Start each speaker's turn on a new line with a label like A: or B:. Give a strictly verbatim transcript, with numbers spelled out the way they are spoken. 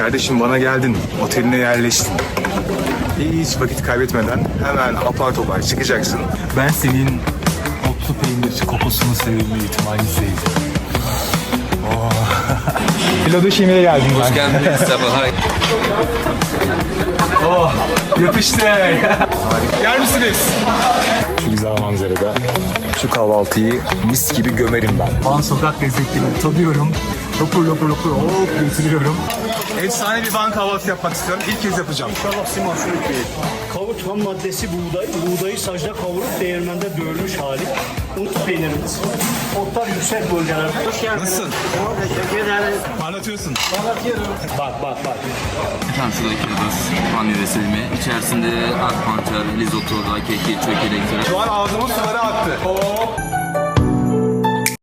A: Kardeşim bana geldin, oteline yerleştin. Hiç vakit kaybetmeden hemen apar topar çıkacaksın. Ben senin otlu peynir kokusunu sevilme ihtimali izleyeceğim. Oh. Pilotu şimdiye geldim ben.
B: Hoş geldiniz, sabah.
A: Oh, yapıştı. Yer misiniz? Şu güzel manzarada şu kahvaltıyı mis gibi gömerim ben. Van sokak lezzetlerini tadıyorum. Lopur lopur lopur hop götürüyorum. Efsane bir Van kahvaltı yapmak istiyorum. İlk kez yapacağım.
C: İnşallah Siman Sürükbey. Kavut ham maddesi buğday. Buğdayı sacda kavurup değirmende dövülmüş hali. Un peynirimiz. Otlar yüksek bölgelerde. Hoş geldiniz.
A: Nasılsın?
C: Teşekkür ederim.
A: Anlatıyorsun.
C: Anlatıyorum. Bak bak bak.
B: Efendim şuradaki adas panyo vesilme. İçerisinde ak pancar, risotto, keki, çökelek.
A: Şu an ağzımın suları aktı. Hop.